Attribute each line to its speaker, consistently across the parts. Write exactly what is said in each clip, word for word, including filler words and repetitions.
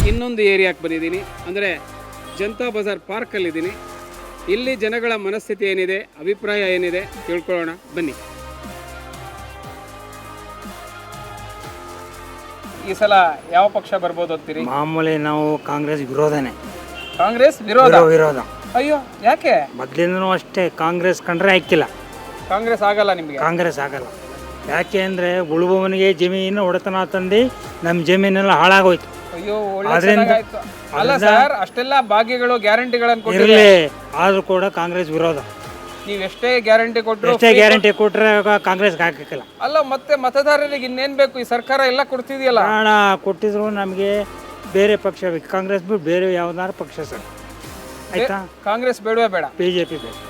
Speaker 1: ಇನ್ನೊಂದು ಏರಿಯಾಕ್ಕೆ ಬಂದಿದ್ದೀನಿ, ಅಂದರೆ ಜನತಾ ಬಜಾರ್ ಪಾರ್ಕಲ್ಲಿದ್ದೀನಿ. ಇಲ್ಲಿ ಜನಗಳ ಮನಸ್ಥಿತಿ ಏನಿದೆ, ಅಭಿಪ್ರಾಯ ಏನಿದೆ ತಿಳ್ಕೊಳ್ಳೋಣ ಬನ್ನಿ. ಈ ಸಲ ಯಾವ ಪಕ್ಷ ಬರ್ಬೋದು ಅಂತೀರಿ?
Speaker 2: ಮಾಮೂಲಿ ನಾವು ಕಾಂಗ್ರೆಸ್ ವಿರೋಧನೇ.
Speaker 1: ಕಾಂಗ್ರೆಸ್ ವಿರೋಧ?
Speaker 2: ವಿರೋಧ.
Speaker 1: ಅಯ್ಯೋ, ಯಾಕೆ?
Speaker 2: ಮೊದಲಿಂದನೂ ಅಷ್ಟೇ, ಕಾಂಗ್ರೆಸ್ ಕಂಡ್ರೆ ಹಾಕಿಲ್ಲ.
Speaker 1: ಕಾಂಗ್ರೆಸ್ ಆಗಲ್ಲ ನಿಮಗೆ?
Speaker 2: ಕಾಂಗ್ರೆಸ್ ಆಗಲ್ಲ. ಯಾಕೆ ಅಂದರೆ ಉಳುವವನಿಗೆ ಜಮೀನು ಒಡೆತನ ತಂದು ನಮ್ಮ ಜಮೀನೆಲ್ಲ ಹಾಳಾಗೋಯ್ತು.
Speaker 1: ಅಯ್ಯೋ, ಒಳ್ಳೆ ಅಲ್ಲ ಸರ್, ಅಷ್ಟೆಲ್ಲ ಭಾಗ್ಯಗಳು ಗ್ಯಾರಂಟಿಗಳನ್ನು ಕೊಟ್ಟಿರಲಿ,
Speaker 2: ಆದರೂ ಕೂಡ ಕಾಂಗ್ರೆಸ್ ವಿರೋಧ.
Speaker 1: ನೀವು ಎಷ್ಟೇ ಗ್ಯಾರಂಟಿ ಕೊಟ್ಟರು,
Speaker 2: ಎಷ್ಟೇ ಗ್ಯಾರಂಟಿ ಕೊಟ್ಟರೆ ಕಾಂಗ್ರೆಸ್ಗೆ ಹಾಕಕ್ಕಿಲ್ಲ.
Speaker 1: ಅಲ್ಲ, ಮತ್ತೆ ಮತದಾರರಿಗೆ ಇನ್ನೇನು ಬೇಕು? ಈ ಸರ್ಕಾರ ಎಲ್ಲ ಕೊಡ್ತಿದೆಯಲ್ಲ.
Speaker 2: ಹಣ ಕೊಟ್ಟಿದ್ರು ನಮಗೆ ಬೇರೆ ಪಕ್ಷ ಬೇಕು, ಕಾಂಗ್ರೆಸ್ ಬಿಟ್ಟು ಬೇರೆ ಯಾವ್ದಾರು ಪಕ್ಷ ಸರ್. ಆಯ್ತಾ?
Speaker 1: ಕಾಂಗ್ರೆಸ್ ಬೇಡವೇ ಬೇಡ,
Speaker 2: ಬಿಜೆಪಿ ಬೇಕು.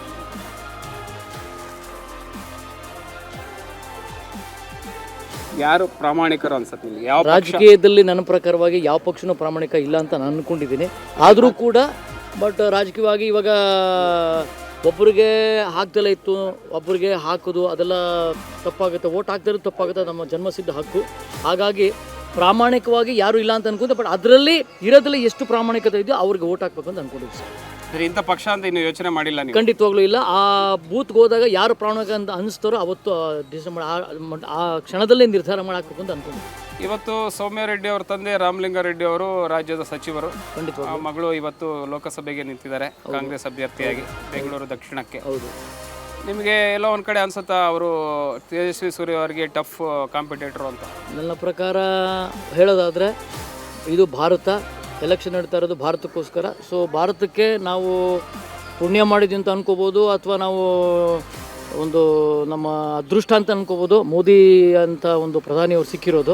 Speaker 1: ಯಾರು ಪ್ರಾಮಾಣಿಕರು ಅನ್ಸುತ್ತೆ ನಿಮಗೆ? ಯಾವ
Speaker 3: ರಾಜಕೀಯದಲ್ಲಿ ನನ್ನ ಪ್ರಕಾರವಾಗಿ ಯಾವ ಪಕ್ಷನೂ ಪ್ರಾಮಾಣಿಕ ಇಲ್ಲ ಅಂತ ನಾನು ಅಂದ್ಕೊಂಡಿದ್ದೀನಿ. ಆದರೂ ಕೂಡ ಬಟ್ ರಾಜಕೀಯವಾಗಿ ಇವಾಗ ಒಬ್ಬರಿಗೆ ಹಾಕ್ದೆಲ್ಲ ಇತ್ತು, ಒಬ್ಬರಿಗೆ ಹಾಕೋದು ಅದೆಲ್ಲ ತಪ್ಪಾಗುತ್ತೆ. ಓಟ್ ಹಾಕ್ದಿರೋದು ತಪ್ಪಾಗುತ್ತೆ, ನಮ್ಮ ಜನ್ಮಸಿದ್ಧ ಹಕ್ಕು. ಹಾಗಾಗಿ ಪ್ರಾಮಾಣಿಕವಾಗಿ ಯಾರು ಇಲ್ಲ ಅಂತ ಅನ್ಕೊಂಡೆ, ಬಟ್ ಅದರಲ್ಲಿ ಇರೋದ್ರಲ್ಲಿ ಎಷ್ಟು ಪ್ರಾಮಾಣಿಕತೆ ಇದೆಯೋ ಅವ್ರಿಗೆ ಓಟ್ ಹಾಕ್ಬೇಕು ಅಂತ ಅನ್ಕೊಂಡಿದ್ವಿ ಸರ್.
Speaker 1: ಇಂಥ ಪಕ್ಷ ಅಂತ ಇನ್ನು ಯೋಚನೆ ಮಾಡಿಲ್ಲ ನೀವು?
Speaker 3: ಖಂಡಿತವಾಗ್ಲೂ ಇಲ್ಲ. ಆ ಬೂತ್ಗೆ ಹೋದಾಗ ಯಾರು ಪ್ರಾಮಾಣಿಕ ಅಂತ ಅನಿಸ್ತಾರೋ ಅವತ್ತು ಡಿಸೈಡ್ ಮಾಡಿ ಆ ಕ್ಷಣದಲ್ಲೇ ನಿರ್ಧಾರ ಮಾಡಿ ಹಾಕ್ಬೇಕು ಅಂತ ಅನ್ಕೊಂಡಿದ್ವಿ.
Speaker 1: ಇವತ್ತು ಸೌಮ್ಯ ರೆಡ್ಡಿ ಅವರ ತಂದೆ ರಾಮಲಿಂಗಾರೆಡ್ಡಿ ಅವರು ರಾಜ್ಯದ ಸಚಿವರು,
Speaker 3: ಖಂಡಿತವಾಗ್ಲೂ
Speaker 1: ಮಗಳು ಇವತ್ತು ಲೋಕಸಭೆಗೆ ನಿಂತಿದ್ದಾರೆ ಕಾಂಗ್ರೆಸ್ ಅಭ್ಯರ್ಥಿಯಾಗಿ ಬೆಂಗಳೂರು ದಕ್ಷಿಣಕ್ಕೆ.
Speaker 3: ಹೌದು.
Speaker 1: ನಿಮಗೆ ಎಲ್ಲೋ ಒಂದು ಕಡೆ ಅನ್ಸುತ್ತಾ ಅವರು ತೇಜಸ್ವಿ ಸೂರ್ಯ ಅವರಿಗೆ ಟಫ್ ಕಾಂಪಿಟೇಟರ್ ಅಂತ?
Speaker 3: ನನ್ನ ಪ್ರಕಾರ ಹೇಳೋದಾದರೆ ಇದು ಭಾರತ, ಎಲೆಕ್ಷನ್ ನಡೀತಾ ಇರೋದು ಭಾರತಕ್ಕೋಸ್ಕರ. ಸೊ ಭಾರತಕ್ಕೆ ನಾವು ಪುಣ್ಯ ಮಾಡಿದ್ವಿ ಅಂತ ಅನ್ಕೋಬೋದು, ಅಥವಾ ನಾವು ಒಂದು ನಮ್ಮ ಅದೃಷ್ಟ ಅಂತ ಅನ್ಕೋಬೋದು ಮೋದಿ ಅಂತ ಒಂದು ಪ್ರಧಾನಿಯವರು ಸಿಕ್ಕಿರೋದು.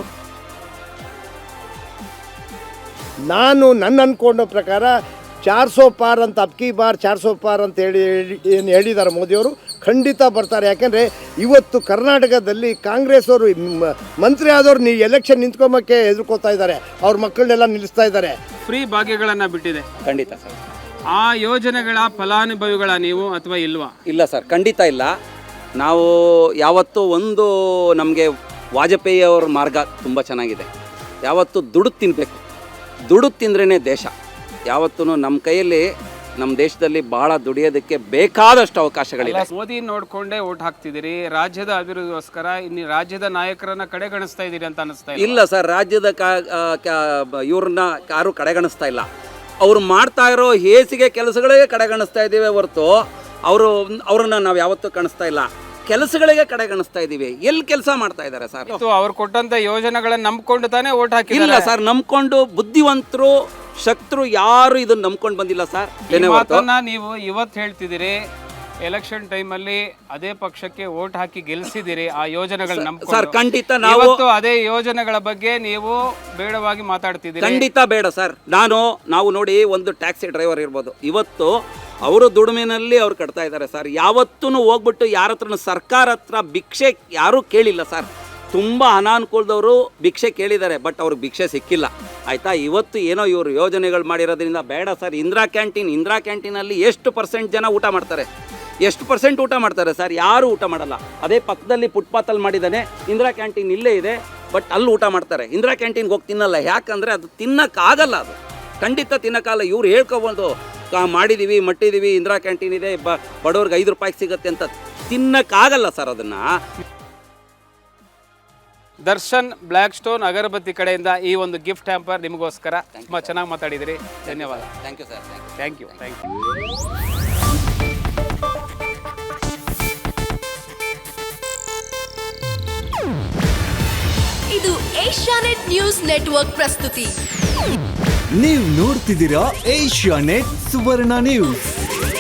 Speaker 4: ನಾನು ನನ್ನ ಅಂದ್ಕೊಂಡ ಪ್ರಕಾರ ಚಾರ್ ಸೋ ಪಾರ್ ಅಂತ ಅಬ್ಕಿ ಬಾರ್ ಚಾರ್ ಸೋ ಪಾರ್ ಅಂತ ಹೇಳಿ ಏನು ಹೇಳಿದ್ದಾರೆ ಮೋದಿಯವರು, ಖಂಡಿತ ಬರ್ತಾರೆ. ಯಾಕೆಂದರೆ ಇವತ್ತು ಕರ್ನಾಟಕದಲ್ಲಿ ಕಾಂಗ್ರೆಸ್ ಅವರು ಮಂತ್ರಿ ಆದವರು ನೀವು ಎಲೆಕ್ಷನ್ ನಿಂತ್ಕೊಂಬಕ್ಕೆ ಹೆದರ್ಕೋತಾ ಇದ್ದಾರೆ, ಅವ್ರ ಮಕ್ಕಳನ್ನೆಲ್ಲ ನಿಲ್ಲಿಸ್ತಾ ಇದ್ದಾರೆ.
Speaker 1: ಫ್ರೀ ಭಾಗ್ಯಗಳನ್ನು ಬಿಟ್ಟಿದೆ.
Speaker 5: ಖಂಡಿತ ಸರ್.
Speaker 1: ಆ ಯೋಜನೆಗಳ ಫಲಾನುಭವಿಗಳ ನೀವು ಅಥವಾ ಇಲ್ವಾ?
Speaker 5: ಇಲ್ಲ ಸರ್, ಖಂಡಿತ ಇಲ್ಲ. ನಾವು ಯಾವತ್ತೂ ಒಂದು ನಮಗೆ ವಾಜಪೇಯಿ ಅವರ ಮಾರ್ಗ ತುಂಬ ಚೆನ್ನಾಗಿದೆ. ಯಾವತ್ತೂ ದುಡ್ಡು ತಿನ್ನಬೇಕು, ದುಡ್ಡು ತಿಂದ್ರೇ ದೇಶ. ಯಾವತ್ತೂ ನಮ್ಮ ಕೈಯಲ್ಲಿ ನಮ್ಮ ದೇಶದಲ್ಲಿ ಬಹಳ ದುಡಿಯೋದಕ್ಕೆ ಬೇಕಾದಷ್ಟು ಅವಕಾಶಗಳಿಲ್ಲ.
Speaker 1: ಮೋದಿ ನೋಡ್ಕೊಂಡೇ ಓಟ್ ಹಾಕ್ತಿದ್ದೀರಿ, ರಾಜ್ಯದ ಅಭಿವೃದ್ಧಿಗೋಸ್ಕರ ಇನ್ನು ರಾಜ್ಯದ ನಾಯಕರನ್ನ ಕಡೆಗಣಿಸ್ತಾ ಇದ್ದೀರಿ ಅಂತ ಅನಿಸ್ತಾ ಇಲ್ಲ?
Speaker 5: ಇಲ್ಲ ಸರ್, ರಾಜ್ಯದ ಇವ್ರನ್ನ ಯಾರು ಕಡೆಗಣಿಸ್ತಾ ಇಲ್ಲ. ಅವ್ರು ಮಾಡ್ತಾ ಇರೋ ಹೇಸಿಗೆ ಕೆಲಸಗಳಿಗೆ ಕಡೆಗಣಿಸ್ತಾ ಇದ್ದೀವಿ ಹೊರತು ಅವರು ಅವ್ರನ್ನ ನಾವು ಯಾವತ್ತೂ ಕಾಣಿಸ್ತಾ ಇಲ್ಲ. ಕೆಲಸಗಳಿಗೆ ಕಡೆಗಣಿಸ್ತಾ ಇದ್ದೀವಿ. ಎಲ್ಲಿ ಕೆಲಸ ಮಾಡ್ತಾ ಇದ್ದಾರೆ ಸರ್?
Speaker 1: ಅವ್ರು ಕೊಟ್ಟಂತ ಯೋಜನೆಗಳನ್ನ ನಂಬ್ಕೊಂಡು ತಾನೇ ಓಟ್ ಹಾಕಿ?
Speaker 5: ಇಲ್ಲ ಸರ್, ನಂಬ್ಕೊಂಡು ಬುದ್ಧಿವಂತರು ಶಕ್ತರು ಯಾರು ಇದನ್ನ ನಂಬ್ಕೊಂಡು ಬಂದಿಲ್ಲ ಸರ್.
Speaker 1: ನೀವು ಇವತ್ತು ಹೇಳ್ತಿದ್ದೀರಿ, ಎಲೆಕ್ಷನ್ ಟೈಮಲ್ಲಿ ಅದೇ ಪಕ್ಷಕ್ಕೆ ಓಟ್ ಹಾಕಿ ಗೆಲ್ಸಿದಿರಿ, ಆ ಯೋಜನೆಗಳ
Speaker 5: ಸರ್. ಖಂಡಿತ ನಾವು
Speaker 1: ಅದೇ ಯೋಜನೆಗಳ ಬಗ್ಗೆ ನೀವು ಬೇಡವಾಗಿ ಮಾತಾಡ್ತಿದ್ದೀರಿ.
Speaker 5: ಖಂಡಿತ ಬೇಡ ಸರ್. ನಾನು ನಾವು ನೋಡಿ, ಒಂದು ಟ್ಯಾಕ್ಸಿ ಡ್ರೈವರ್ ಇರ್ಬೋದು, ಇವತ್ತು ಅವರು ದುಡಿಮೆನಲ್ಲಿ ಅವ್ರು ಕಟ್ತಾ ಇದ್ದಾರೆ ಸರ್. ಯಾವತ್ತೂ ಹೋಗ್ಬಿಟ್ಟು ಯಾರ ಹತ್ರ ಸರ್ಕಾರ ಹತ್ರ ಭಿಕ್ಷೆ ಯಾರೂ ಕೇಳಿಲ್ಲ ಸರ್. ತುಂಬ ಅನಾನುಕೂಲದವರು ಭಿಕ್ಷೆ ಕೇಳಿದ್ದಾರೆ, ಬಟ್ ಅವ್ರಿಗೆ ಭಿಕ್ಷೆ ಸಿಕ್ಕಿಲ್ಲ. ಆಯಿತಾ? ಇವತ್ತು ಏನೋ ಇವರು ಯೋಜನೆಗಳು ಮಾಡಿರೋದ್ರಿಂದ ಬೇಡ ಸರ್. ಇಂದಿರಾ ಕ್ಯಾಂಟೀನ್ ಇಂದಿರಾ ಕ್ಯಾಂಟೀನಲ್ಲಿ ಎಷ್ಟು ಪರ್ಸೆಂಟ್ ಜನ ಊಟ ಮಾಡ್ತಾರೆ? ಎಷ್ಟು ಪರ್ಸೆಂಟ್ ಊಟ ಮಾಡ್ತಾರೆ ಸರ್? ಯಾರೂ ಊಟ ಮಾಡಲ್ಲ. ಅದೇ ಪಕ್ಕದಲ್ಲಿ ಫುಟ್ಪಾತಲ್ಲಿ ಮಾಡಿದ್ದಾನೆ, ಇಂದಿರಾ ಕ್ಯಾಂಟೀನ್ ಇಲ್ಲೇ ಇದೆ, ಬಟ್ ಅಲ್ಲಿ ಊಟ ಮಾಡ್ತಾರೆ. ಇಂದಿರಾ ಕ್ಯಾಂಟೀನ್ಗೆ ಹೋಗಿ ತಿನ್ನಲ್ಲ. ಯಾಕಂದರೆ ಅದು ತಿನ್ನೋಕ್ಕಾಗಲ್ಲ, ಅದು ಖಂಡಿತ ತಿನ್ನೋಕ್ಕಾಗಲ್ಲ. ಇವ್ರು ಹೇಳ್ಕೊಬೋದು ಮಾಡಿದ್ದೀವಿ, ಮಟ್ಟಿದ್ದೀವಿ, ಇಂದಿರಾ ಕ್ಯಾಂಟೀನ್ ಇದೆ, ಬ ಬಡವ್ರಿಗೆ ಐದು ರೂಪಾಯಿಗೆ ಸಿಗುತ್ತೆ ಅಂತ. ತಿನ್ನೋಕ್ಕಾಗಲ್ಲ ಸರ್ ಅದನ್ನು.
Speaker 1: ದರ್ಶನ್ ಬ್ಲ್ಯಾಕ್ ಸ್ಟೋನ್ ಅಗರಬತ್ತಿ ಕಡೆಯಿಂದ ಈ ಒಂದು ಗಿಫ್ಟ್ ಹ್ಯಾಂಪರ್ ನಿಮಗೋಸ್ಕರ. ತುಂಬ ಚೆನ್ನಾಗಿ ಮಾತಾಡಿದಿರಿ, ಧನ್ಯವಾದ.
Speaker 5: Thank you sir.
Speaker 1: Thank you thank you.
Speaker 6: ಇದು ಏಷ್ಯಾನೆಟ್ ನ್ಯೂಸ್ ನೆಟ್ವರ್ಕ್ ಪ್ರಸ್ತುತಿ.
Speaker 7: ನೀವು ನೋಡ್ತಿದ್ದೀರಾ ಏಷ್ಯಾನೆಟ್ ಸುವರ್ಣ ನ್ಯೂಸ್.